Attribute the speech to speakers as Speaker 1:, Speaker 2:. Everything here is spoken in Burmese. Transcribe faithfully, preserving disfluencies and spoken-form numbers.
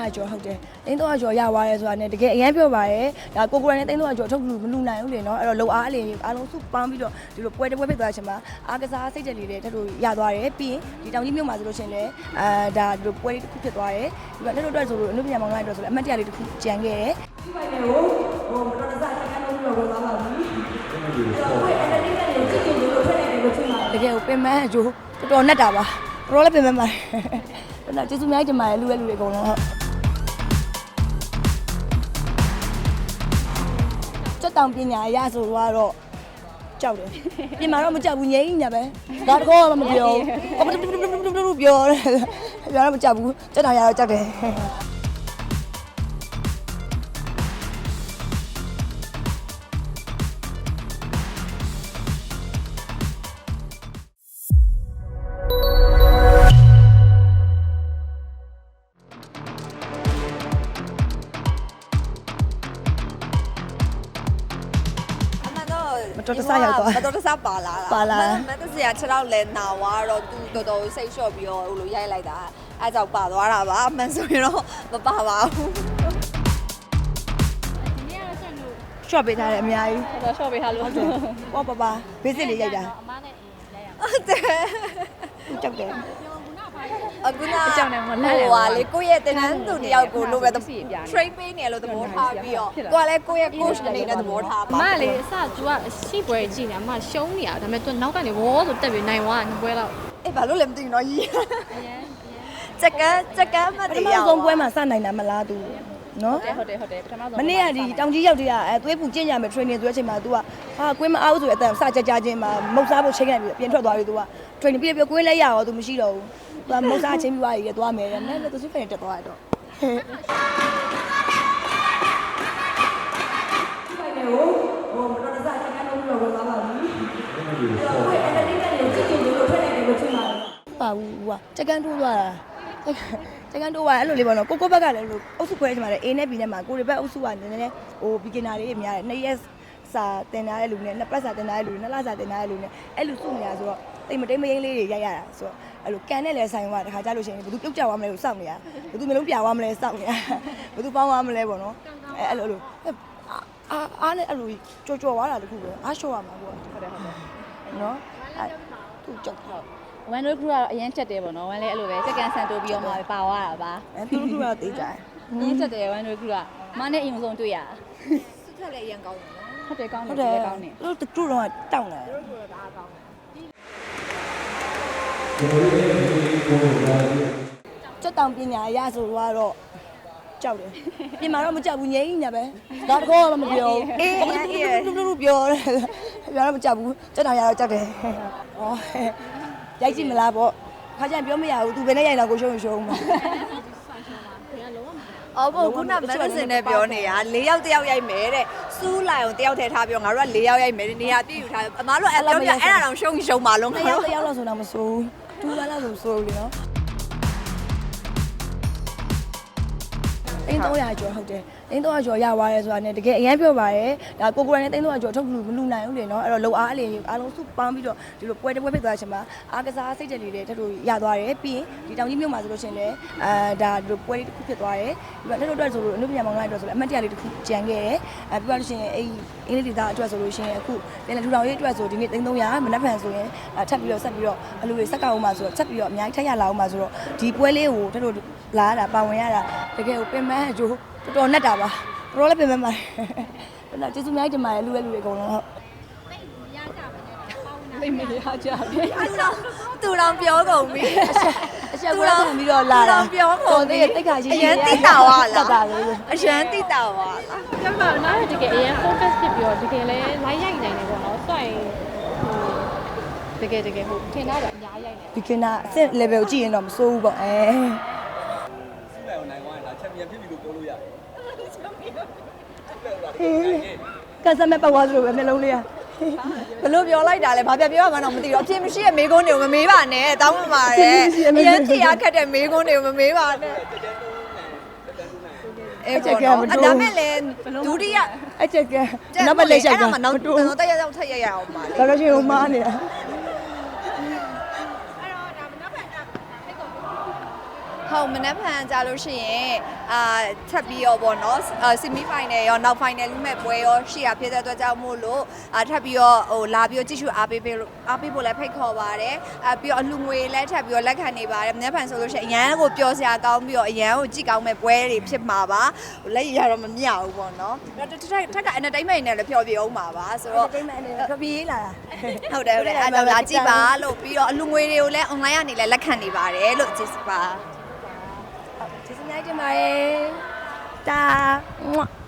Speaker 1: ကျော်ဟုတ်တယ်သိန်းသုံးရာကျော်ရသွားရဲဆိုတာနဲ့တကယ်အရင်ပြောပါရဲဒါကိုကိုရနဲ့သိန်းသုံးရာကျော်ထုတ်လို့မလူနိုင်ဘူးလေနော်အဲ့တော့လုံအားအလင်းအားလုံးစုပန်းပြီးတော့ဒီလိုပွဲတစ်ပွဲဖြစ်သွားချင်မှာအားကစားစိတ်တက်လေးတွေထပ်လို့ရသွားတယ်ပြီးရင်ဒီတောင်ကြီးမြို့မှာဆိုလို့ရှိရင်လည်းအာဒါဒီလိုပွဲလေးတစ်ခုဖြစ်သွားတယ်ဒီကနေ့တို့အတွက်ဆိုလို့အနုပညာမောင်နှမတွေအတွက်ဆိုလည်းအမှတ်တရလေးတစ်ခုကြံခဲ့တယ်ဒီဘက်ကိုဟိုတော်တော်စားကန်လို့ပြောသွားပါပြီအဲ့တော့အဲ့ဒါလေးနဲ့ကြည့်ကြည့်လို့ထွက်နေတယ်လို့ထင်ပါတယ်တကယ်ကိုပင်မအကျိုးတော်တော်နဲ့တာပါတော်တော်လည်းပင်မပါတယ်အဲ့တော့ကျေးဇူးများတင်ပါတယ်လူရဲ့လူတွေအကုန်လုံးဟုတ်စက်တောင်ပညာရဆိုတော့ကြောက်တယ်ပြင်မှာတော့မကြောက်ဘူးငြိမ်းညာပဲဒါတကောမှမပြောဘူးပြောတယ်ပြောတော့မကြောက်ဘူးစက်တောင်ရတော့ကြောက်တယ်မတော်တဆရောက်သွား
Speaker 2: မတော်တဆပါလာတာ
Speaker 1: ပါလာ
Speaker 2: မတ်တစရာခြေထောက်လဲနာသွားတော့သူတော်တော်စိတ်လျှော့ပြီးတော့ဟိုလိုရိုက်လိုက်တာအဲကြောင့်ပါသွားတာပါအမှန်ဆိုရင်တော့မပါပါဘူး
Speaker 1: ရှော့ပေးထားတယ်အများကြီး
Speaker 3: တော့ short ပေးထားလို့ဟုတ်တယ်
Speaker 1: ဟောပါပါဘေးစစ်လေးရိုက်တာ
Speaker 3: အမနဲ့အင်းလဲရ
Speaker 2: ဟုတ်တယ်
Speaker 1: ကြောက်တယ်
Speaker 2: အခုနအကြောင်းနဲ့မလဲဟိုဟာလေကိုယ့်ရဲ့တင်တန်းသူတယောက်ကိုလိုပဲ train ပေးနေလို့သဘောထားပြီးတော့ကိုကလည်းကိုယ့်ရဲ့ coach အနေနဲ့သဘောထားပါ
Speaker 3: အမလေအစ तू ကရှိပွဲကြည့်နေအမရှုံးနေရဒါပေမဲ့ तू နောက်ကနေဝေါဆိုတက်ပြီးနိုင်သွားနှစ်ပွဲတော့
Speaker 2: အေးဘာလို့လဲမသိဘူးနော်ကြီး
Speaker 3: အရင်
Speaker 2: ချက်ကန်းချက်ကန်းမ
Speaker 1: ပထ
Speaker 2: တည်
Speaker 1: မ
Speaker 2: ရအောင်
Speaker 1: ဆုံးပွဲမှာစနိုင်တာမလားသူနော်
Speaker 3: ဟုတ်တယ်ဟုတ်တယ်ဟုတ်တယ်ပထမဆုံး
Speaker 1: မနေ့ကဒီတောင်ကြီးရောက်တည်းကအဲသွေးပူကျင့်ကြမယ် training ဆိုတဲ့အချိန်မှာ तू ကဟာကွင်းမအားဘူးဆိုတဲ့အတန်စကြကြချင်းမှာမုတ်စားဖို့ချိန်ခဲ့ပြီးပြင်ထွက်သွားပြီ तू က training ပြပြကွင်းလဲရရော तू မရှိတော့ဘူး तू ကမုတ်စားချင်းပြီးသွားပြီသွားမယ်တဲ့နဲ့ तू စစ်ဖက်တက်သွားတော့ပါဘူးကွာတကန်တိုးသွားတာတကန်တိုးသွားအဲ့လိုလေးပေါ့နော်ကိုကိုဘက်ကလည်းလို့အုပ်စုခွဲချင်ပါတယ် A နဲ့ B နဲ့မှာကိုတွေဘက်အုပ်စုကနည်းနည်းဟို beginner တွေများတယ်နှစ်ရက်စာတင်ထားတဲ့လူနဲ့နှစ်ပတ်စာတင်ထားတဲ့လူနှစ်လစာတင်ထားတဲ့လူနဲ့အဲ့လိုစုနေတာဆိုတော့တိတ်မတိတ်မရင်းလေးတွေရိုက်ရတာဆိုတော့အဲ့လိုကန်နဲ့လည်းဆိုင်သွားတခါကြလို့ရှိရင်ဘယ်သူပြုတ်ကြသွားမလဲကိုစောင့်နေရဘယ်သူမျိုးလုံးပြသွားမလဲစောင့်နေရဘယ်သူပေါင်းသွားမလဲပေါ့နော်အဲ့အဲ့လိုလိုအာအားနဲ့အဲ့လိုကြော်ကြော်သွားတာတခုပဲအားလျှော့ရမှာပေါ့ဟုတ်တယ်ဟုတ်တယ်နော်အဲ့သူကြောက်တော့
Speaker 3: ဝမ်ဒိုခရူကတော့အရင်ချက်တယ်ပေါ့နော်ဝမ်လည်းအဲ့လိုပဲစက္ကန်ဆန်တိုးပြီးတော့မှပါသွားတာပါ
Speaker 1: အဲသူတို့ကတော့တေးကြတယ်
Speaker 3: အရင်ချက်တယ်ဝမ်ဒိုခရူကမနဲ့အရင်ဆုံးတွေ့ရ
Speaker 2: စစ်ထက်လည်းအရင်ကောင်းတယ်နော်
Speaker 3: ဟုတ်တယ်ကောင်းတ
Speaker 1: ဟုတ်တယ်
Speaker 3: ယ်ကောင်းတယ်
Speaker 1: သူတို့တို့တော့တောင်းတယ်စက်တောင်ပညာရဆိုတော့ကြောက်တယ်ပြင်မှာတော့မကြောက်ဘူးငြိမ်းညာပဲဒါတကောမှမပြောဘူးအေးအေးပြောတယ်ပြောတော့မကြောက်ဘူးစက်တောင်ရတော့ကြောက်တယ်ဩရိုက်ကြည့်မလားပေါ့ခါကျရင်ပြောမရဘူးသူဘယ်နဲ့ရိုက်တော့ကိုရှုံးရှုံးမှာ
Speaker 2: အော်ဘုခုနမက်ဒစင်နဲ့ပြောနေတာ၄ယောက်တယောက်ရိုက်မယ်တဲ့စူးလိုက်အောင်တယောက်ထဲထားပြောငါတို့က၄ယောက်ရိုက်မယ်နေရာပြည့်ယူထားအမားတို့အဲ့ပြောပြအဲ့ဒါတော့ရှုံးရှုံးပါလုံး
Speaker 1: တယောက်တယောက်လောက်ဆိုတော့မစိုးဘူးတူပါလောက်ဆိုစိုးလေနော်သိန်းသုံးရာကျော်ဟုတ်တယ်သိန်းသုံးရာကျော်ရသွားရဲဆိုတာနဲ့တကယ်အရင်ပြောပါရဲဒါကိုကိုရနဲ့သိန်းသုံးရာကျော်ထုတ်လို့မလူနိုင်ဘူးလေနော်အဲ့တော့လုံအားအလင်းအားလုံးစုပန်းပြီးတော့ဒီလိုပွဲတစ်ပွဲဖြစ်သွားချင်မှာအားကစားစိတ်တက်လေးတွေထပ်လို့ရသွားတယ်ပြီးရင်ဒီတောင်ကြီးမြို့မှာဆိုလို့ရှိရင်လည်းအာဒါဒီလိုပွဲလေးတစ်ခုဖြစ်သွားတယ်ဒီကနေ့တို့အတွက်ဆိုလို့အနုပညာမောင်နှမတွေအတွက်ဆိုလည်းအမှတ်တရလေးတစ်ခုကြံခဲ့တယ်အဲပြီးတော့လို့ရှိရင်အဲ့အင်္ဂလိပ်ဒေသအတွက်ဆိုလို့ရှိရင်အခုလည်းထူထောင်ရေးအတွက်ဆိုဒီနေ့သိန်းသုံးရာမနက်ဖြန်ဆိုရင်ထပ်ပြီးတော့ဆက်ပြီးတော့အလူတွေစက်ကောက်အောင်မှာဆိုတော့ဆက်ပြီးတော့အများကြီးထပ်ရလာအောင်မှာဆိုတော့ဒီပွဲလေးကိုထပ်လို့လာရတာပါဝင်ရတာတကယ်ကိုပင်မအကျိုးတော်တော်နဲ့တာပါတော်တော်လည်းပြင်မဲ့ပါတယ်အဲ့တော့ကျေးဇူးများတင်ပါတယ်လူရဲ့လူတွေအကုန်လုံးဟုတ်
Speaker 3: သိမရကြဘူး
Speaker 2: အဲ့တော့သူတော်ပြောကုန်ပြီ
Speaker 1: အချက်ကွဲခံပြီးတော့လာတာ
Speaker 2: ပြောကုန်ပြီ
Speaker 1: တိတ်ခါရှိ
Speaker 2: အရင်တိတာဝါလား
Speaker 1: တာလေ
Speaker 2: အရင်တိတာဝါလား
Speaker 3: ကျမနားတကယ်အရင် focus ဖြစ်ပြီးတော့တကယ်လဲ live ရိုက်နိုင်တယ်ပေါ့နော်ဆိုရင်ဟိုတကယ်တကယ်ဟိုထင်တာတော့အများကြီးရိုက်နေ
Speaker 1: beginner အဆင့် level ကိုကြည့်ရင်တော့မစိုးဘူးပေါ့အဲ
Speaker 4: စီးလိုက်အောင်နိုင်သွားရင်ဒါချန်ပီယံဖြစ်ပြီလို့ပြောလို့ရတယ်
Speaker 1: ကစားမဲ့ပတ်သွားသလိုပဲနှလုံးလေးက
Speaker 2: ဘလို့ပြောလိုက်တာလဲဘာပြပြောမှန်းတော့မသိတော့အဖြစ်မရှိတဲ့မေကုန်းတွေကိုမမေးပါနဲ့တောင်းပန်ပါတယ်အရင်ထရခက်တဲ့မေကုန်းတွေကိုမမေးပါနဲ့အဲ့ပေါ့နော်ဒါမဲ့လည်းဒုတိယ
Speaker 1: အချက်ကနောက်ပတ်လက်ရှိုက်က
Speaker 2: အဲ့ဒါမှနောက်တော့တက်ရောက်ထက်ရရအောင်ပါလေ
Speaker 1: ဒါတော့ရှင်ဟိုမားနေတာဟ
Speaker 2: ဟုတ်မနှက်ဖန်ကြလို့ရှိရင်အာထပ်ပြီးရောပေါ့နော်အာဆီမီဖိုင်နယ်ရောနောက်ဖိုင်နယ်လူမဲ့ပွဲရောရှိရဖြစ်တဲ့အတွက်ကြောင့်မို့လို့အာထပ်ပြီးရောဟိုလာပြီးတော့ကြည့်ရှုအားပေးပေးလို့အားပေးဖို့လည်းဖိတ်ခေါ်ပါတယ်အာပြီးတော့အလူငွေလည်းထပ်ပြီးတော့လက်ခံနေပါတယ်မနှက်ဖန်ဆိုလို့ရှိရင်အရန်ကိုပျော်စရာကောင်းပြီးတော့အရန်ကိုကြည့်ကောင်းမဲ့ပွဲတွေဖြစ်မှာပါလက်ရတော့မမြဘူးပေါ့နော်ထက်ထက်က entertainment နဲ့လည်းဖျော်ပြအောင်ပါပါဆိုတော့
Speaker 1: တိတ်မှန်တယ်ခပြေးလာတာ
Speaker 2: ဟုတ်တယ်ဟုတ်တယ်အဲ့တော့လာကြည့်ပါလို့ပြီးတော့အလူငွေတွေကိုလည်း online ကနေလည်းလက်ခံနေပါတယ်လို့ကြည့်ပါ
Speaker 1: ကျေးဇူးများတင်ပါတယ်တာ